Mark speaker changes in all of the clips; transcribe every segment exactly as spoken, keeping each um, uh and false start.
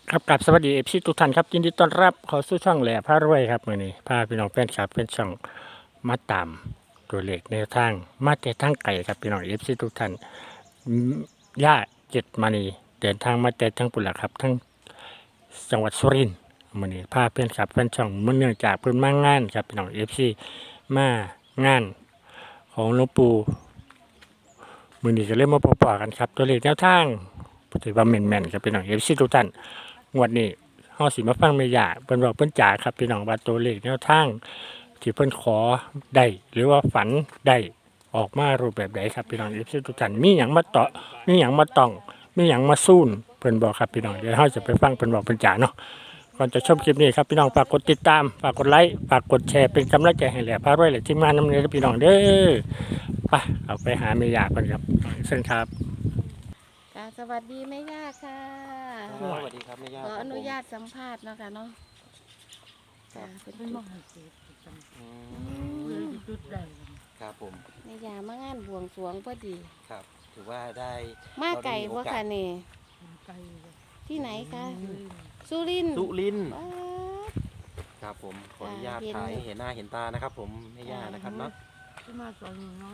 Speaker 1: ครับกับสวัสดีเอฟซีทุกท่านครับยินดีต้อนรับเข้าสู่ช่องแหล่พารวยครับมื้อนี้พาพี่น้องแฟนคลับเป็นช่องมาตามตัวเลขแนวทางมาแต่ทางไกลครับพี่น้องเอฟซีทุกท่านอืมย่าเจ็ดมณีเดินทางมาแต่ทั้งปุ่นละครับทั้งจังหวัดสุรินทร์มื้อนี้พาเพื่อนคลับเป็นช่องมื้อเนื่องจากเพิ่นมางานครับพี่น้องเอฟซีมางานของหลวงปู่มื้อนี้ก็เลยมาพบปะกันครับตัวเลขแนวทางถือว่าแม่นๆครับพี่น้องเอฟซีทุกท่าน งวดนี้เฮาสิมาฟังแม่ย่าเพิ่นบอกเพิ่นจ๋าครับพี่น้องว่าตัวเลขแนวทางที่เพิ่นขอได้หรือว่าฝันได้ออกมารูปแบบใดครับพี่น้อง เอฟ ซี ทุกท่านมีหยังมาเตาะมีหยังมาต้องมีหยังมาสู้นเพิ่นบอกครับพี่น้องเดี๋ยวเฮาจะไปฟังเพิ่นบอกเพิ่นจ๋าเนาะก่อนจะชมคลิปนี้ครับพี่น้องฝากกดติดตามฝากกดไลค์ฝากกดแชร์เป็นกำลังใจให้แหล่พารวยและทีมงานนำเด้อพี่น้องเด้อไปเอาไปหาแม่ย่าเพิ่นครับเชิญครับ
Speaker 2: ค่ะสวัสดีแม่ย่าค่ะ
Speaker 3: สวัสดีครับแม่ย่า
Speaker 2: ขอ
Speaker 3: ครับ
Speaker 2: อนุ
Speaker 3: ผม
Speaker 2: ญาตสัมภาษณ์เนาะค่ะเนาะ
Speaker 3: ครั
Speaker 2: ค่ะ
Speaker 3: บ
Speaker 2: เป็น
Speaker 4: เป็น
Speaker 2: จุ
Speaker 4: ม
Speaker 2: ด
Speaker 4: หัศจรรย์
Speaker 3: อื
Speaker 2: อื
Speaker 3: ม
Speaker 2: ม
Speaker 4: จุดได้
Speaker 3: ครับผม
Speaker 2: แม่ย่ามางานบวงสรวงพอดี
Speaker 3: ครับ ถือว่าได้
Speaker 2: มาไก่
Speaker 3: เรา
Speaker 2: บ่
Speaker 3: ด้มีโอกาส
Speaker 2: ค่ะนี่
Speaker 4: ไกลเลย
Speaker 2: ที่ไหนคะ
Speaker 4: อืม
Speaker 2: สุรินทร์
Speaker 3: สุรินทร์
Speaker 2: ว้าด
Speaker 3: ครับผมขออนุญาต
Speaker 2: อ่าเห็น
Speaker 3: ถ่ายให้เห็นหน้าเห็นตานะครับ ผมแม่ย่านะครับเนาะ
Speaker 4: ที่มาตอนน้อย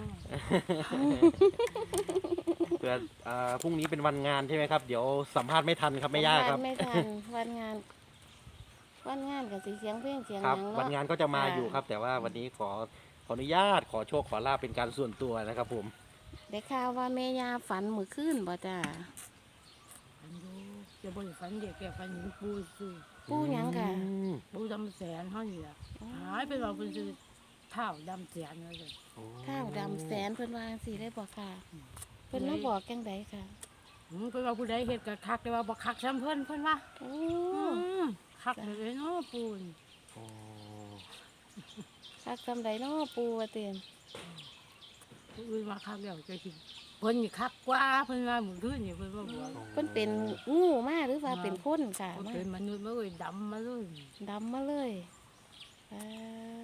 Speaker 3: เพื่อเอ่อพรุ่งนี้เป็นวันงานใช่ไหมครับ เดี๋ยวสัมภาษณ์ไม่ทันครับแม่ย่าครับ
Speaker 2: วันไม่ทันวันงาน วันงานกับสีเสียงเพลงเสียง
Speaker 3: ครับ
Speaker 2: หยัง
Speaker 3: วัน
Speaker 2: เนาะ
Speaker 3: งานก็จะมา
Speaker 2: ค่ะ
Speaker 3: อยู่ครับ แต่ว่าวันนี้ขอขออนุญาตขอโชคขอลาบเป็นการส่วนตัวนะครับ ผม
Speaker 2: ได้ข่าวว่าแม่ย่าฝันมื้อคืนบ่จ้า
Speaker 4: ฝันดูจะบ่ได้ฝันเด็กแกฝันเห็นปูซื้อ
Speaker 2: ปูหยังค่ะ
Speaker 3: อืม
Speaker 4: ปูดำแสนเฮานี่ล่ะหายไปว่าเพิ่นซื้อเท้าดำแสนว่าซั่น
Speaker 3: โอ้
Speaker 2: ข้าวดำแสนเพิ่นว่าจังซี่ได้บ่ค่ะเพิ่นมาบอกจังไดค่ะ
Speaker 4: อืมเพิ่นว่าผู้ใดเฮ็ดก็คักแต่ว่าบ่คักซ้ำเพิ่นเพิ่นว่า
Speaker 2: โอ้
Speaker 4: อืมคักเลยเนาะปูน
Speaker 3: โอ้
Speaker 2: คักจำไดเนาะปูว่าเต็ม
Speaker 4: ผู้อื่นว่าคักแล้วจะสิเพิ่นนี่คักกว่าเพิ่นว่ามื้อคืนนี่เพิ่นว่าบอก
Speaker 2: เพิ่นเป็นงูมาหรือว่าเป็นคนค่ะ
Speaker 4: เพิ่น
Speaker 2: มา
Speaker 4: เป็นมนุษย์มาเลยดำมาเลย
Speaker 2: ดำมาเลยอ่า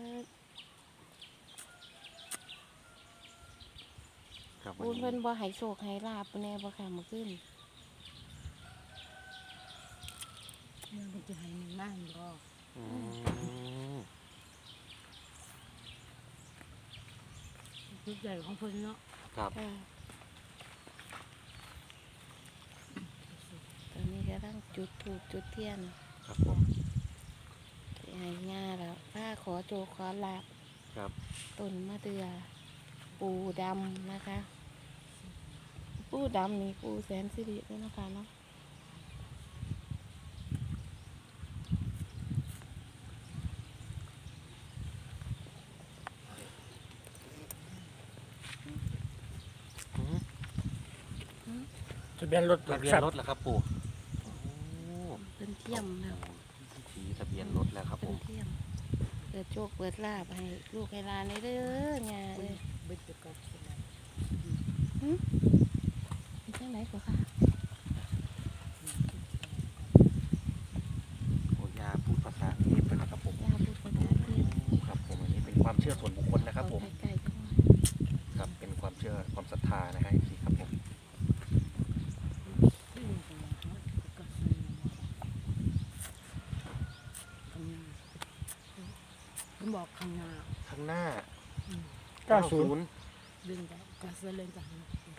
Speaker 3: ครับ
Speaker 2: ปู
Speaker 3: วัน
Speaker 2: เพิ่น
Speaker 3: นี้
Speaker 2: บ่ให้โชคให้ลาบแน่บ่ค่ะเมื่อคืน
Speaker 4: มันจะให้มันนั่งบ่
Speaker 3: อืม
Speaker 4: จุดใหญ่ของเพิ่นเนาะ
Speaker 3: ครับ
Speaker 2: ค่ะตอนนี้กำลังจุดธูปจุดเทียน
Speaker 3: ครับผม
Speaker 2: สิให้ย่าแล้วป้าขอโจขอลาบ
Speaker 3: ครับ
Speaker 2: ต้นมะเดือ ปูดำนะคะ ปูดำนี่ปูแสนสิริด้วยนะคะเนาะ
Speaker 1: ทะเบียนรถหลั
Speaker 3: ทะ
Speaker 1: ก
Speaker 3: เบีย
Speaker 1: ท
Speaker 3: น
Speaker 1: รัพ
Speaker 3: ร
Speaker 1: ย์
Speaker 3: ถเหรอครับปู่โอ้
Speaker 2: เพิ่นเทียมแล้ว
Speaker 3: ชี้ทะเบียนรถแล้วครับผ
Speaker 2: เพิ่น
Speaker 3: ม
Speaker 2: เทียมเปิดโชคเปิดลาบให้ลูกให้หลานได้เด้อง่าเอ้ย
Speaker 4: เบิดจะกัดสิได้
Speaker 2: เป็นจังไหนก็ค่ะ
Speaker 3: โอ้ยาพูดภาษาเทพเลยนะครับผม
Speaker 2: ย่าพูดภาษาที่
Speaker 3: ครับผมอันนี้เป็นความเชื่อส่วนบุคคลนะครับผม
Speaker 2: ไกลๆจังหวะ
Speaker 3: ครับเป็นความเชื่อความศรัทธานะฮะพี่ครับผม
Speaker 4: ที่นี่ก็ว่าเขาจะกัดสิได้ข้างหน้าเพิ่นบอกข้างหน้า
Speaker 3: ข้างหน้า
Speaker 4: อืม
Speaker 1: เก้าศูนย์
Speaker 4: ดึงได้กัดสิเล่นจัง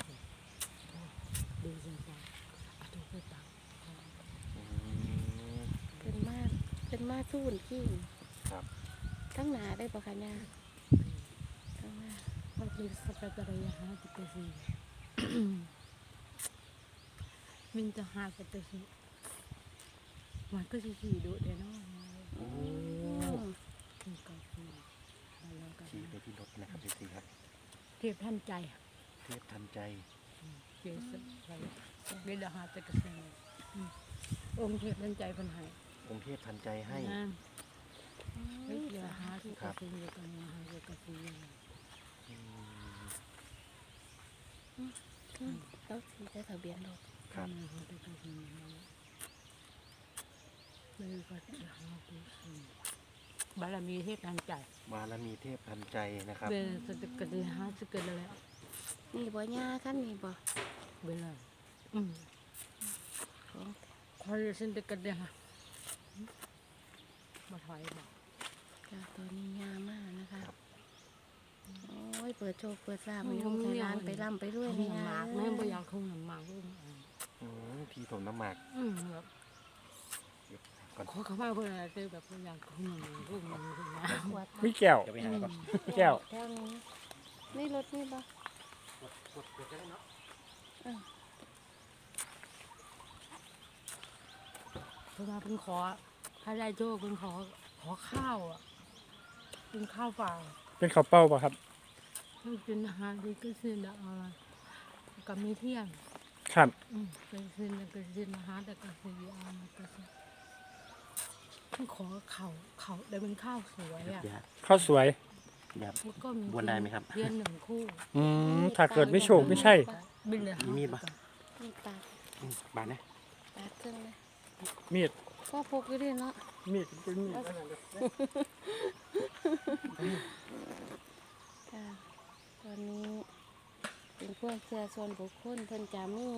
Speaker 4: ดึงจังไปอะทุกไปตัก
Speaker 3: อืม
Speaker 2: เป็นมาเป็นมาสู้นขี้
Speaker 3: ครับ
Speaker 2: ทั้งหนาได้ปะคะย่าทั้งหน้า
Speaker 4: มันคือสเปตระยะหาติกสิมินจะหาสเปสิมันก็สิสิดูเด้เนาะ
Speaker 3: โอ้
Speaker 2: อืม
Speaker 4: มันก็สิแล้วก็
Speaker 3: ชี้ไปที่รถนะครับพี่ครับ
Speaker 4: เทพท่านใจ
Speaker 3: เทพทันใจ
Speaker 4: เกี่ยวกับอะไรเวลาหาแต่กระเซ็นองค์เทพท่านใจพันหาย
Speaker 3: องค์เทพทันใจให้
Speaker 4: นะเว
Speaker 2: อืม
Speaker 4: ลาหาที่กระเซ็นอยู่กันหาที่กระเซ็น
Speaker 3: อืม
Speaker 2: อืมแล้วสีได้ทะเบียนรถ
Speaker 3: ครับ
Speaker 4: หาที่กระเซ็นเลยก็จะหาที่สิบารมีเทพทันใจ
Speaker 3: บารมีเทพทันใจนะครับ
Speaker 4: เวลาสติกระเซ็นหาสกิลแล้ว
Speaker 2: นี่บ่ย่าขั้นนี่บ่
Speaker 4: เวลาอืม
Speaker 2: ของ
Speaker 4: คอยเส้นเด็กกันเนี่ยค่ะมาถอยบอก
Speaker 2: จ้ะตัวนี้งามมากนะคะโอ้ยเปิดโชคเปิดทราบมีลูกในร้านไปร่ำไปรวย
Speaker 4: ห
Speaker 2: ใน
Speaker 4: นึ่ง
Speaker 2: งา
Speaker 4: หมาก
Speaker 2: น
Speaker 4: แม่บ่อยากคงหนึ่งหมากลูก
Speaker 3: อืมที่ถมน้ำหมาก
Speaker 4: อืมแบบ
Speaker 3: ก่อน
Speaker 4: ขอเขามาเพื่อนเจอแบบบ่อยากคงหนึ่งลูกหนึ่งลูกนะ
Speaker 2: ขวด
Speaker 1: มีแก้ว
Speaker 3: เดี๋ยวไปหาก่อน
Speaker 1: แก้ว
Speaker 2: แก้วนี้นี่รถนี่ปะ
Speaker 3: กดกดก็ได้เนาะ
Speaker 4: เพื่อนมาเป็นขอถ้าได้โชคเป็นขอขอข้าวอ่ะเป็นข้าวเปล่า
Speaker 1: เป็นข้าวเป้าป่ะครับ
Speaker 4: ให้กินอาหารที่ก็ซื้อละอะไรกับมีเที่ยง
Speaker 1: ครับ
Speaker 4: อืมไปซื้อแล้วก็ซื้ออาหารแต่ก็ซื้อเอามาก็ซื้อเป็นขอเขาเขาได้เป็นข้าวสวยอ่ะ
Speaker 3: ยา
Speaker 1: ข้าวสวย
Speaker 3: ยา
Speaker 4: แล้วก็มี
Speaker 3: บวนได้ไหมครับ
Speaker 4: เทียนหนึ่งคู่
Speaker 1: อืมถ้าเกิดไม่โชคไม่ใช่
Speaker 4: บินเลย
Speaker 3: มีมีดปะ
Speaker 2: มีปาด
Speaker 3: อืมบานนะ
Speaker 2: ปาดเครื่องเลย
Speaker 1: มีด
Speaker 2: ก็พกอยู่ด้วยเนาะ
Speaker 1: มีดเป็นมีดอันนั้นเด้อ
Speaker 2: ค่ะตอนนี้เป็นพวกเชื่อส่วนบุคคลเพิ่นจะมี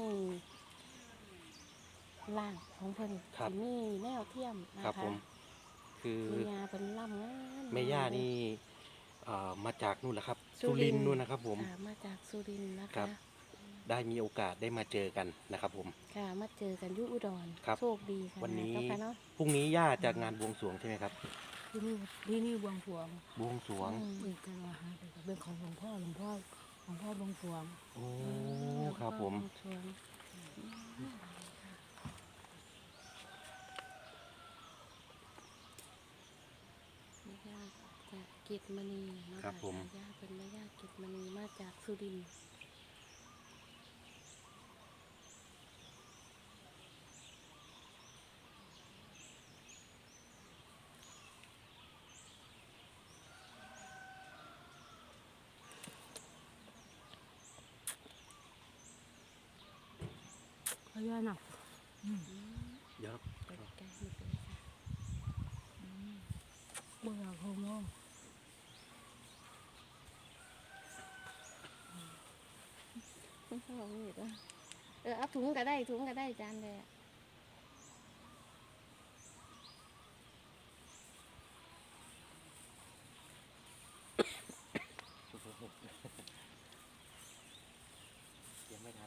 Speaker 2: ร่างของเพิ่นสิมีแนวเทียมนะ
Speaker 3: ครั
Speaker 2: คะ
Speaker 3: บผม คือ
Speaker 2: มียาเป็นล่ำงาม
Speaker 3: แม่ย่านี่เอ่อมาจากนู่นแหละครับ
Speaker 2: สุ
Speaker 3: สุ
Speaker 2: ริ
Speaker 3: ริ
Speaker 2: น
Speaker 3: น
Speaker 2: ทร์
Speaker 3: ทร์นู่นนะครับผม
Speaker 2: ค่ะมาจากสุรินทร์นะ
Speaker 3: ครั
Speaker 2: คะ
Speaker 3: บ ได้มีโอกาสได้มาเจอกันนะครับผม
Speaker 2: ค่ะมาเจอกันอยุอุดร
Speaker 3: ครับ
Speaker 2: โชคดีค่ะ
Speaker 3: วันนี้
Speaker 2: เจ้าค่ะเนาะ
Speaker 3: พรุ่งนี้ย่าจากงานบวงสรวงใช่ไหมครับ
Speaker 4: ที่นี่ที่นี่บวงสรวง
Speaker 3: บวงสรวง
Speaker 2: อืม
Speaker 4: อีกกันว่าฮะเป็นของหลวงพ่อหลวงพ่อหลวงพ่อบวงสรวง
Speaker 3: โอ้ครับผม
Speaker 2: ชวนแม่ย่าจากกิจมณีเนาะ
Speaker 3: ครับผม
Speaker 2: แย่าเป็นแม่ย่ากิจมณีมาจากสุรินทร์
Speaker 4: พญานาค
Speaker 3: เดี๋ยว
Speaker 2: ไปใกล้ๆเลยค่ะ
Speaker 4: เบื่อโฮโม
Speaker 2: ไม่ชอบนี่ด้วยเออเอาถุงก็ได้ถุงก็ได้จานเลยอะ
Speaker 3: ยังไม่ทัน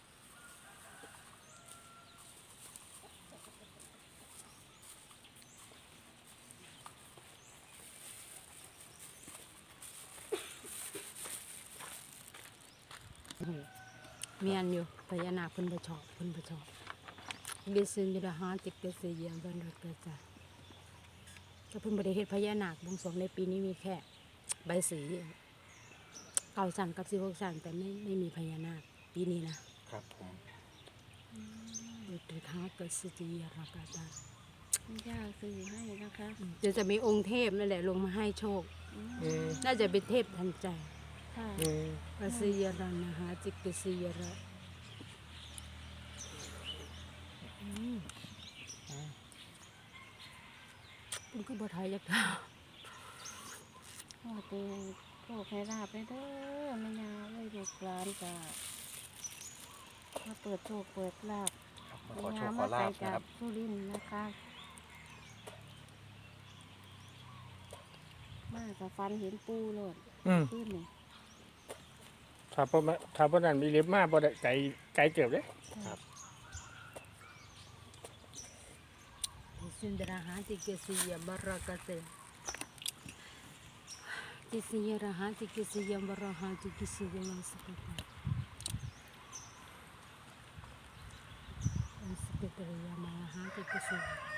Speaker 4: เมียนอยู่พญานาคเพิ่นบ่ชอบเพิ่นบ่ชอบเกษยดาหาติกเกษยยามบันรักกะจาก็เพิ่นบ่ได้เฮ็ดพญานาคบวงสรวงในปีนี้มีแค่ใบสีเก้าสันกับสิบหกสันแต่ไม่ไม่มีพญานาคปีนี้นะครับ
Speaker 3: ผม
Speaker 4: อุตถาเกษยรักกะจา
Speaker 2: แม่ย่าซื้อให้นะคะ
Speaker 4: เดี๋ยวจะมีองค์เทพนั่นแหละลงมาให้โชค
Speaker 2: อืม
Speaker 1: อืม
Speaker 4: น่าจะเป็นเทพทันใจ
Speaker 2: ค่ะ
Speaker 1: อืม
Speaker 4: กษยรันนะฮะจิกกษยระอืมมันก็บ่ทายยักษ์
Speaker 2: โอ้ตีโชคให้ราบเลยเด้อแม่ย่าเลยลูกหลานจ้ะมาเปิดโชคเปิดลาบ
Speaker 3: มาขอโชคขอลาบ
Speaker 2: จา
Speaker 3: นะค
Speaker 2: ก
Speaker 3: รับ
Speaker 2: สุรินทร์นะคะ มากับฟันเห็นปูโลด
Speaker 1: อืม
Speaker 2: ขึ้นนี่
Speaker 1: ถ้าพวกมันถ้าพวกนั้นมีเล็บมากบ่ได้ไก่ไก่เจ็บเลย
Speaker 3: ครับ
Speaker 4: สินดราหาจิกกษยบรากะเตจิกกษยราหาจิกกษยบราหาจิกกษยมังสกตะอันสกตะยามาหาจิกกษย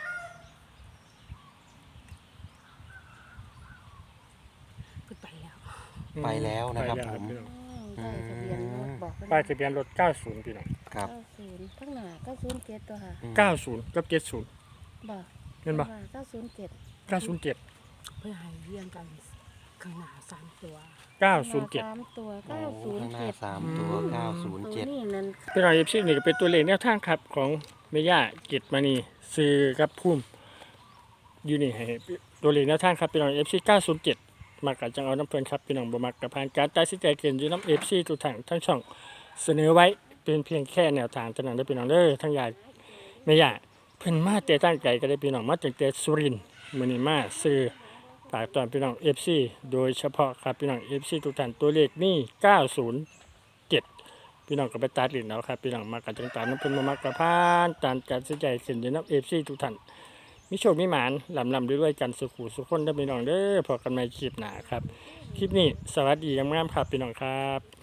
Speaker 4: ก็ไปแล้ว
Speaker 3: ไปแล้วนะครับ
Speaker 1: ไปแล้ว
Speaker 3: ผม
Speaker 1: พี่น้อง
Speaker 2: อืมได้ทะเบียนรถบอกกัน
Speaker 1: ป้ายทะเบียนรถเก้าสิบพี่น้อง
Speaker 3: ครับ
Speaker 2: เก้าศูนย์ข้างหน้าเก้าศูนย์เจ็ดตัวค่ะ
Speaker 3: อืม
Speaker 1: เก้าสิบกับเจ็ดสิบ
Speaker 2: บอก
Speaker 1: เห็นบ่
Speaker 2: เก้าศูนย์เจ็ด
Speaker 1: เก้าสิบเจ็ด
Speaker 4: เพื่อให้เรียงกันข้างหน้าสามตัว
Speaker 1: เก้าสิบเจ็ด
Speaker 2: สามตัว
Speaker 3: โอ้
Speaker 2: เก้าศูน
Speaker 3: ข้า
Speaker 2: ย์
Speaker 3: งหน้า
Speaker 2: เจ็ด
Speaker 3: สามตัวเก้าศูนย์
Speaker 2: ตัว
Speaker 3: เจ็ด
Speaker 2: นี้นั่น
Speaker 1: พี่น้องเอฟซีนี่ก็เป็นตัวเลขแนวทางครับของแม่ย่ากิจมณีซื้อกับพุ่มอยู่นี่ให้ตัวเลขแนวทางครับพี่น้องเอฟซีเก้าศูนย์เจ็ดมักกับจังเอาน้ำเพลินครับพี่น้องบ่มักกับผ่านการตัดสินใจเกินอยู่น้ำเอฟซีทุกทางทั้งช่องเสนอไว้เป็นเพียงแค่แนวทางเท่านั้นเด้อพี่น้องเด้อทั้งยาแม่ย่าเพิ่นมาแต่ตั้งใจก็ได้พี่น้องมาจากแต่สุรินทร์มื้อนี้มาซื้อฝากตอนพี่น้อง เอฟ ซี โดยเฉพาะครับพี่น้อง เอฟ ซี ทุกท่านตัวเลขนี่เก้าศูนย์เจ็ดพี่น้องก็ไปตัดลิ้นเอาครับพี่น้องมากันจังตามน้ำเพิ่นมามักกะพานตามการสนใจขึ้นอยู่นำ เอฟ ซี ทุกท่านมีโชคมีหมานลำลำด้วยๆกันสุขุสุขคนเด้อพี่น้องเด้อพอกันใหม่คลิปหน้าครับคลิปนี้สวัสดีงามๆครับพี่น้องครับ